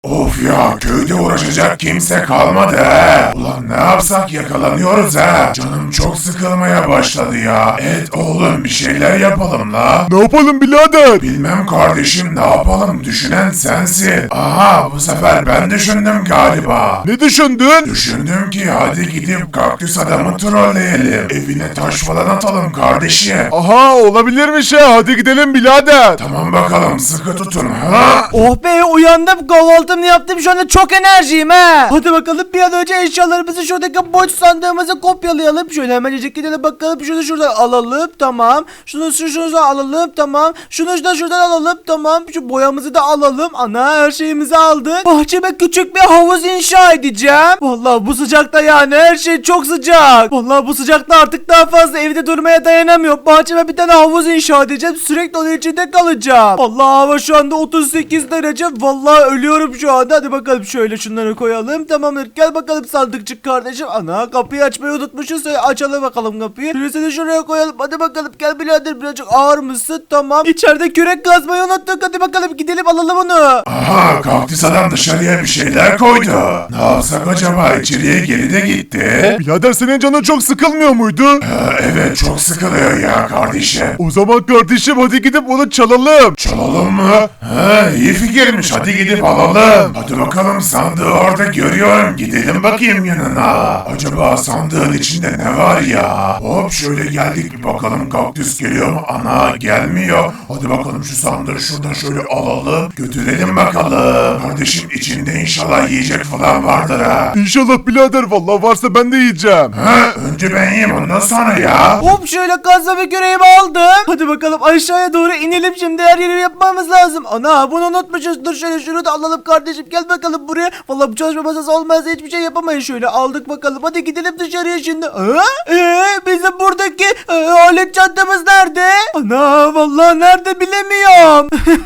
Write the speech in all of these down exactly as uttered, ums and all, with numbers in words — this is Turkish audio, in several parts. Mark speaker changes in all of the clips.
Speaker 1: Of ya, köyde uğraşacak kimse kalmadı he. Ulan ne yapsak yakalanıyoruz he. Canım çok sıkılmaya başladı ya. Evet oğlum, bir şeyler yapalım la.
Speaker 2: Ne yapalım birader?
Speaker 1: Bilmem kardeşim, ne yapalım, düşünen sensin. Aha, bu sefer ben düşündüm galiba.
Speaker 2: Ne düşündün?
Speaker 1: Düşündüm ki hadi gidip kaktüs adamı trolleyelim. Evine taş falan atalım kardeşim.
Speaker 2: Aha, olabilirmiş ha. Hadi gidelim birader.
Speaker 1: Tamam bakalım, sıkı tutun ha.
Speaker 3: Oh be, uyandım, kahvaltımı yaptım, şu anda çok enerjiyim ha. Hadi bakalım bir an önce eşyalarımızı şuradaki boş sandığımıza kopyalayalım. Şöyle hemencik gidelim bakalım, şunu şuradan alalım, tamam. Şunu şunu şuradan alalım, tamam. Şunu da şuradan alalım, tamam. Şu boyamızı da alalım. Ana, her şeyimizi aldık. Bahçeme küçük bir havuz inşa edeceğim. Vallahi bu sıcakta yani her şey çok sıcak. Vallahi bu sıcakta artık daha fazla evde durmaya dayanamıyorum. Bahçeme bir tane havuz inşa edeceğim. Sürekli onun içinde kalacağım. Vallahi hava şu anda otuz sekiz derece. Vallahi ölüyorum şu anda. Hadi bakalım şöyle şunları koyalım. Tamamdır. Gel bakalım sandıkçık kardeşim. Ana, kapıyı açmayı unutmuşuz. Açalım bakalım kapıyı. Şurasını şuraya koyalım. Hadi bakalım, gel birader, birazcık ağır mısın? Tamam. İçeride kürek kazmayı unuttuk. Hadi bakalım gidelim alalım onu.
Speaker 1: Aha, kaktüs adam dışarıya bir şeyler koydu. Ne yapsak acaba, içeriye geri de gitti.
Speaker 2: Birader, senin canın çok sıkılmıyor muydu?
Speaker 1: Ha, evet çok sıkılıyor ya kardeşim.
Speaker 2: O zaman kardeşim hadi gidip onu çalalım.
Speaker 1: Çalalım mı? Ha, iyi fikirmiş, hadi gidip alalım. Hadi bakalım, sandığı orada görüyorum, gidelim bakayım yanına. Acaba sandığın içinde ne var ya? Hop, şöyle geldik bir bakalım, kaktüs geliyor mu? Ana, gelmiyor. Hadi bakalım şu sandığı şuradan şöyle alalım, götürelim bakalım. Kardeşim, içinde inşallah yiyecek falan vardır ha.
Speaker 2: İnşallah birader, vallahi varsa ben de yiyeceğim.
Speaker 1: Ha, önce ben yiyeyim, ondan sonra ya.
Speaker 3: Hop, şöyle kazma ve küreğimi aldım. Hadi bakalım aşağıya doğru inelim şimdi, her yeri yapmamız lazım. Ana, bunu unutmuşuz. Dur şöyle şunu da alalım kardeşim, gel bakalım buraya. Vallahi bu çalışma masası olmazsa hiçbir şey yapamayız. Şöyle aldık bakalım, hadi gidelim dışarıya şimdi. Ha? Ee, bizim buradaki e, alet çantamız nerede? Ana, vallahi nerede bilemiyorum.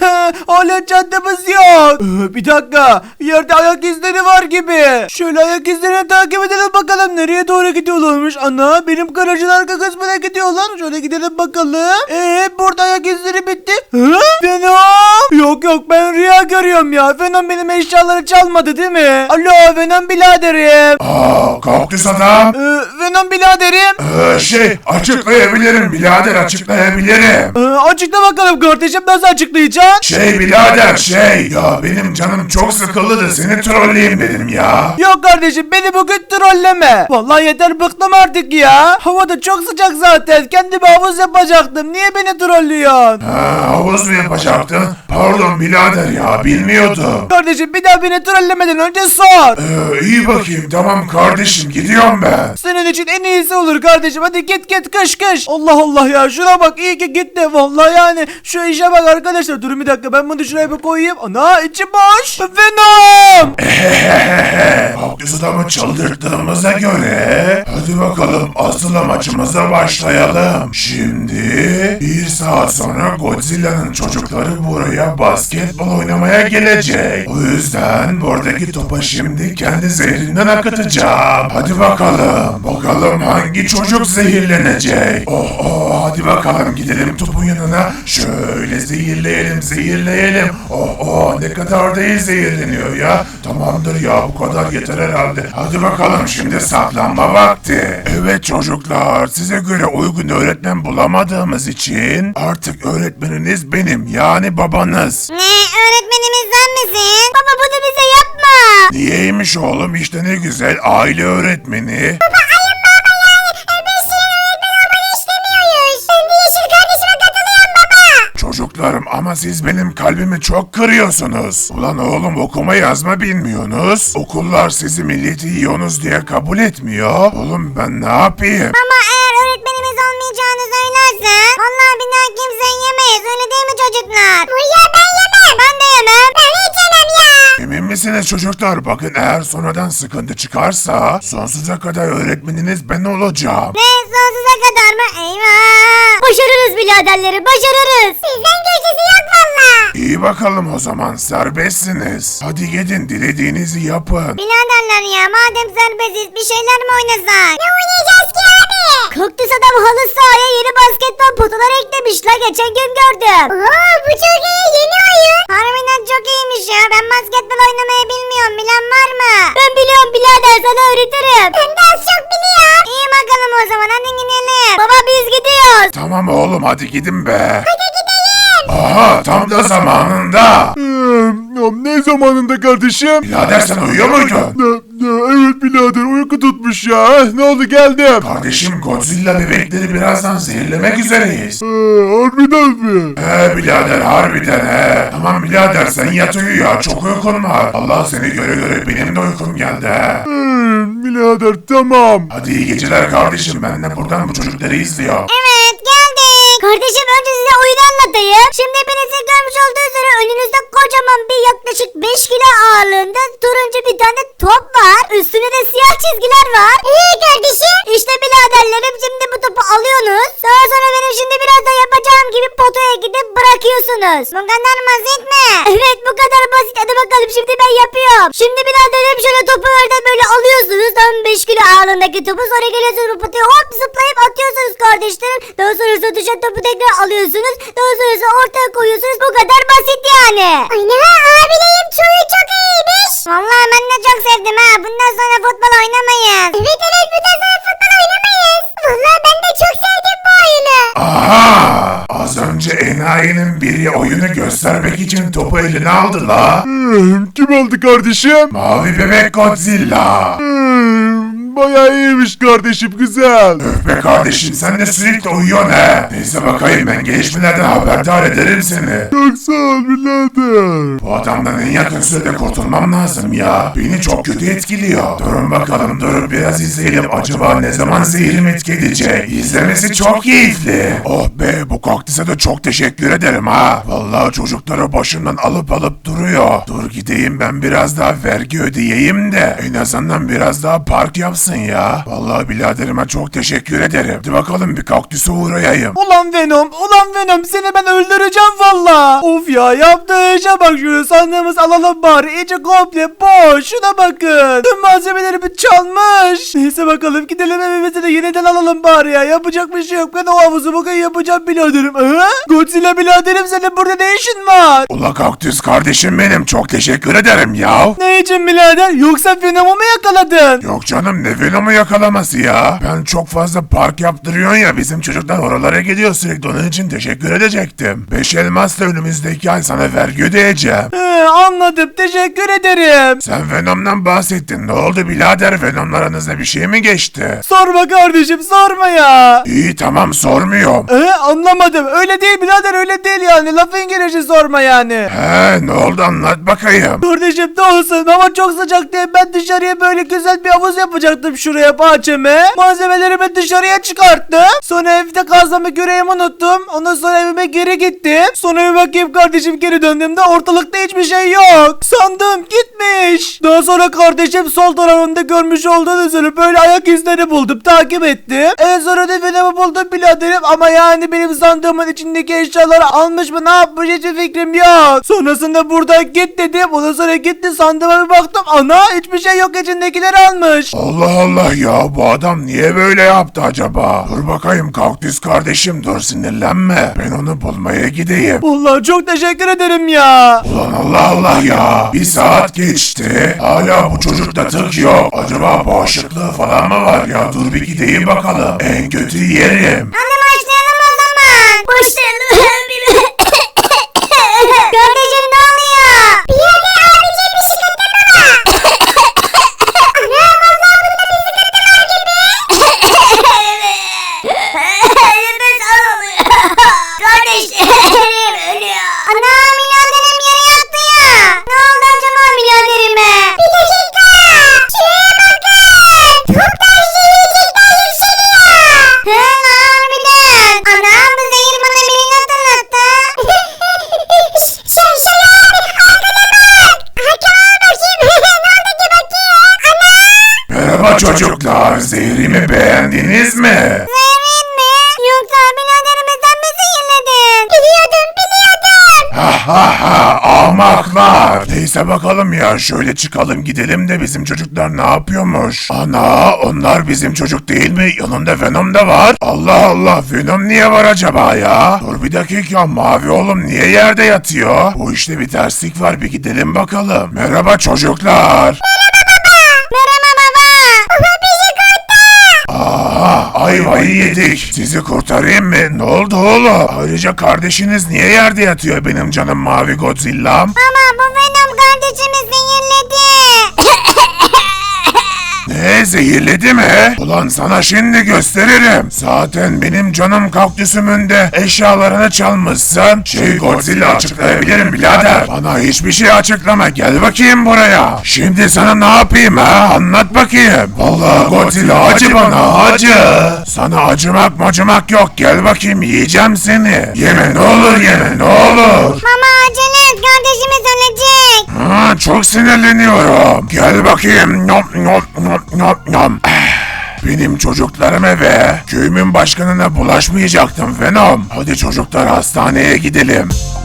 Speaker 3: Alet çantamız yok. Ee, bir dakika, yerde ayak izleri var gibi. Şöyle ayak izlerini takip edelim bakalım, nereye doğru gidiyorlarmış. Ana, benim garajın arka kısmına gidiyorlar. Şöyle gidelim bakalım. Eee, burada ayak izleri bitti. Hı? Venom? Yok yok, ben rüya görüyorum ya. Venom benim eşyaları çalmadı değil mi? Alo Venom biraderim.
Speaker 1: Aa, kaktüs adam.
Speaker 3: Ee, Venom biraderim.
Speaker 1: Ee, şey, açıklayabilirim birader, açıklayabilirim.
Speaker 3: Ee, açıkla bakalım kardeşim, nasıl açıklayacaksın?
Speaker 1: Şey birader, şey ya, benim canım çok sıkıldı da seni trolleyeyim dedim ya.
Speaker 3: Yok kardeşim, beni bugün trolleme. Vallahi yeter, bıktım artık ya. Hava da çok sıcak zaten. Kendime havuz yapacaktım. Niye beni trollüyorsun?
Speaker 1: Ha, havuz mu yapacaktın? Pardon birader ya, bilmiyordum.
Speaker 3: Kardeşim, bir daha beni trollemeden önce sor.
Speaker 1: Ee, iyi bakayım, tamam kardeşim, gidiyorum ben.
Speaker 3: Senin için en iyisi olur kardeşim. Hadi git git, kış kış. Allah Allah ya, şuna bak, iyi ki gitti. Vallahi yani şu işe bak arkadaşlar. Durun bir dakika, ben bunu şuraya bir koyayım. Ana, içi boş. Venom.
Speaker 1: Kaktüs adamı çıldırttığımıza göre hadi bakalım asıl amacımıza başlayalım. Şimdi bir saat sonra Godzilla'nın çocukları buraya basketbol oynamaya gelecek. O yüzden buradaki topa şimdi kendi zehrinden akıtacağım. Hadi bakalım. Bakalım hangi çocuk zehirlenecek. Oh oh, hadi bakalım gidelim topun yanına. Şöyle zehirleyelim zehirleyelim. Oh oh, ne kadar da iyi zehirleniyor ya. Tamamdır ya, bu kadar yeter herhalde. Hadi bakalım, şimdi saklanma vakti. Evet çocuklar, size göre uygun öğretmen bulamadığımız için artık öğretmeniniz benim, yani babanız.
Speaker 4: Ne, öğretmenimiz sen misin? Baba, bunu bize yapma.
Speaker 1: Niyeymiş oğlum, işte ne güzel, aile öğretmeni.
Speaker 4: Baba, ayın baba yani. Biz senin öğretmen olmanı istemiyoruz. Ben de Yeşil kardeşime katılıyorum baba.
Speaker 1: Çocuklarım, ama siz benim kalbimi çok kırıyorsunuz. Ulan oğlum, okuma yazma bilmiyorsunuz. Okullar sizi milleti yiyorsunuz diye kabul etmiyor. Oğlum ben ne yapayım?
Speaker 4: Ama eğer öğretmenimiz olmayacağını söylersen vallahi bir daha kimseyi yemeyiz, öyle değil mi çocuklar? Ya ben yemem. Ben de yemem. Ben hiç yemem ya.
Speaker 1: Emin misiniz çocuklar? Bakın, eğer sonradan sıkıntı çıkarsa sonsuza kadar öğretmeniniz ben olacağım.
Speaker 4: Ne, sonsuza kadar mı? Eyvah. Başarırız biraderleri, başarırız. Sizden köşesi yok valla.
Speaker 1: İyi bakalım, o zaman serbestsiniz. Hadi gidin, dilediğinizi yapın.
Speaker 4: Biraderler ya, madem serbestiz bir şeyler mi oynasak? Ne oynayacağız ki abi? Kaktüs adam halı sahaya yeni basketbol potaları eklemiş la, geçen gün gördüm. Oo, bu çok iyi, yeni oyun. Harbiden çok iyiymiş ya, ben basketbol oynamayı bilmiyorum, bilen var mı? Ben biliyorum birader, sana öğretirim. Ben de az çok biliyorum. İyi bakalım o zaman, hadi gidelim. Baba biz gidiyoruz.
Speaker 1: Tamam oğlum hadi gidin be. Hadi gidelim. Aha tam da zamanında.
Speaker 2: Hmm, ne zamanında kardeşim?
Speaker 1: Birader sen uyuyor muydun?
Speaker 2: Ne- ne- Evet birader, uyku tutmuş ya. Eh, Ne oldu, geldim.
Speaker 1: Kardeşim Godzilla bebekleri birazdan zehirlemek üzereyiz.
Speaker 2: Ee, harbiden mi?
Speaker 1: He birader harbiden he. Tamam birader sen yat uyu ya, çok uykun var. Allah seni göre göre benim de uykum geldi he.
Speaker 2: Hmm, birader tamam.
Speaker 1: Hadi iyi geceler kardeşim, ben de buradan bu çocukları izliyorum.
Speaker 4: Evet geldik. Kardeşim önce size oyunu anlatayım. Şimdi hepinizin görmüş olduğu üzere önünüzde kocaman bir yaklaşık beş kilo ağırlığında turuncu bir tane top var. Üstünde de siyah çizgiler var. Eee kardeşim? İşte biraderlerim, şimdi bu topu alıyorsunuz. Daha sonra benim şimdi biraz da yapacağım gibi potaya gidip bırakıyorsunuz. Bu kadar basit mi? Evet bu kadar basit, hadi bakalım şimdi ben yapıyorum. Şimdi biraderim şöyle topu oradan böyle alıyorsunuz. Tam beş kilo ağırlığındaki topu, sonra geliyorsunuz bu potaya hop zıplayıp atıyorsunuz kardeşlerim. Daha sonra düşen topu tekrar alıyorsunuz. Daha sonra ortaya koyuyorsunuz, bu kadar basit yani. Aynen abileyim, çoğu çok iyiymiş. Vallahi ben de çok sevdim ha. Bundan sonra futbol oynamayız. Evet evet, bundan sonra futbol oynamayız. Vallahi ben de çok sevdim bu oyunu.
Speaker 1: Aha! Az önce enayinin biri oyunu göstermek için topu eline aldı la.
Speaker 2: Hmm, kim aldı kardeşim?
Speaker 1: Mavi bebek Godzilla.
Speaker 2: Hmm, bayağı iyiymiş kardeşim, güzel.
Speaker 1: Öf be kardeşim, sen de sürekli uyuyorsun he. Neyse bakayım, ben gelişmelerden haberdar ederim seni.
Speaker 2: Çok sağ ol birader.
Speaker 1: Bu adamdan en yakın sürede kurtulmam lazım ya. Beni çok kötü etkiliyor. Durun bakalım, durup biraz izleyelim. Acaba ne zaman zehrim etki edecek? İzlemesi çok keyifli. Oh be, bu kaktüse de çok teşekkür ederim ha. Vallahi çocukları başımdan alıp alıp duruyor. Dur gideyim ben biraz daha vergi ödeyeyim de en azından biraz daha park yapsın ya. Vallahi biraderime çok teşekkür ederim. Hadi bakalım bir kaktüse uğrayayım.
Speaker 3: Ulan Venom, ulan Venom, seni ben öldüreceğim valla. Of ya, yaptığı işe bak, şunu sandığımız alalım bari, iyice komple boş, şuna bakın. Tüm malzemelerimi çalmış. Neyse bakalım, gidelim evimize de yeniden alalım bari ya, yapacak bir şey yok. Ben o havuzu bugün yapacağım biraderim. He? Godzilla biraderim, senin burada ne işin var?
Speaker 1: Ula kaktüs kardeşim benim, çok teşekkür ederim ya.
Speaker 3: Ne için birader, yoksa Venom'u mu yakaladın?
Speaker 1: Yok canım, ne Venom'u yakalaması ya. Ben çok fazla park yaptırıyorsun ya, bizim çocuklar oralara gidiyor sürekli, onun için teşekkür edecektim. Beş elmasla önümüzdeki ay sana vergi ödeyeceğim.
Speaker 3: He, anladım, teşekkür ederim.
Speaker 1: Sen Venom'dan bahsettin, ne oldu birader, Venom'la aranızda bir şey mi geçti?
Speaker 3: Sorma kardeşim, sorma ya.
Speaker 1: İyi tamam, sormuyorum.
Speaker 3: Ee, anlamadım. Öyle değil birader, öyle değil yani. Lafın gelişi sorma yani.
Speaker 1: He, ne oldu anlat bakayım.
Speaker 3: Kardeşim ne olsun, hava çok sıcak diye ben dışarıya böyle güzel bir havuz yapacaktım şuraya bahçeme. Malzemelerimi dışarıya çıkarttım. Sonra evde kazmamı küreğimi unuttum. Ondan sonra evime geri gittim. Sonra bir bakayım kardeşim, geri döndüğümde ortalıkta hiçbir şey yok. Sandım gitmiş. Daha sonra kardeşim sol tarafımda görmüş olduğunuz üzere böyle ayak izleri buldum. Takip ettim. En sonra da Venom'u buldum biraderim, ama yani benim sandığımın içindeki eşyaları almış mı, ne yapmış, hiçbir fikrim yok. Sonrasında burada git dedim. Ondan sonra gitti, sandığıma bir baktım. Ana, hiçbir şey yok, içindekileri almış.
Speaker 1: Allah Allah ya, bu adam niye böyle yaptı acaba? Dur bakayım kaktüs kardeşim, dur sinirlenme. Ben onu bulmaya gideyim.
Speaker 3: Vallahi çok teşekkür ederim ya.
Speaker 1: Ulan Allah Allah ya. Bir saat geçti. Hala bu çocukta tık yok. Acaba bağışıklığı falan mı var ya? Dur bir gideyim bakalım. En kötü yerim.
Speaker 4: Hadi başlayalım o zaman. Başlayalım. Kardeşim ne oluyor? Birader abicim, bir sıkıntı mı var? Ana vallahi bunda bir sıkıntı var gibi. Nefes alamıyor. Kardeşlerim ölüyor. Ana biraderim yere yattı ya. Ne oldu acaba biraderime? Bir dakika. Şuraya bakın. Çok da şirinlikten yükseliyor. He harbiden. Anam bu zehir bana birini hatırlattı. Şey şey abi arkana bak. Arkana bakayım. Ne oldu ki bakayım. Ana.
Speaker 1: Merhaba çocuklar. Zehrimi beğendiniz mi?
Speaker 4: Zehrin mi? Yoksa biraderimizden mi zehirledin? Biliyordum biliyordum.
Speaker 1: Ha ha ha. ahmaklar. Neyse bakalım ya, şöyle çıkalım gidelim de bizim çocuklar ne yapıyormuş? Ana, onlar bizim çocuk değil mi? Yanında Venom da var. Allah Allah, Venom niye var acaba ya? Dur bir dakika, mavi oğlum niye yerde yatıyor? Bu işte bir terslik var, bir gidelim bakalım. Merhaba çocuklar.
Speaker 4: Merhaba baba. Baba bizi kurtar.
Speaker 1: Aha, ayvayı yedik. Sizi kurtarayım mı? Ne oldu oğlum? Ayrıca kardeşiniz niye yerde yatıyor benim canım mavi Godzilla'm?
Speaker 4: Ama bu Venom kardeşimi zehirledi.
Speaker 1: Ne, zehirledi mi? Ulan sana şimdi gösteririm. Zaten benim canım kaktüsümün de eşyalarını çalmışsın. Şey Godzilla, açıklayabilirim birader. Bana hiçbir şey açıklama, gel bakayım buraya. Şimdi sana ne yapayım ha? Anlat bakayım. Vallahi Godzilla acı bana, acı. Sana acımak macımak yok, gel bakayım yiyeceğim seni. Yeme ne olur, yeme ne olur.
Speaker 4: Mama acele et, kardeşimiz ölecek.
Speaker 1: Ha, çok sinirleniyorum. Gel bakayım. Nom nom nom nom nom. Benim çocuklarıma ve köyümün başkanına bulaşmayacaktım Venom. Hadi çocuklar, hastaneye gidelim.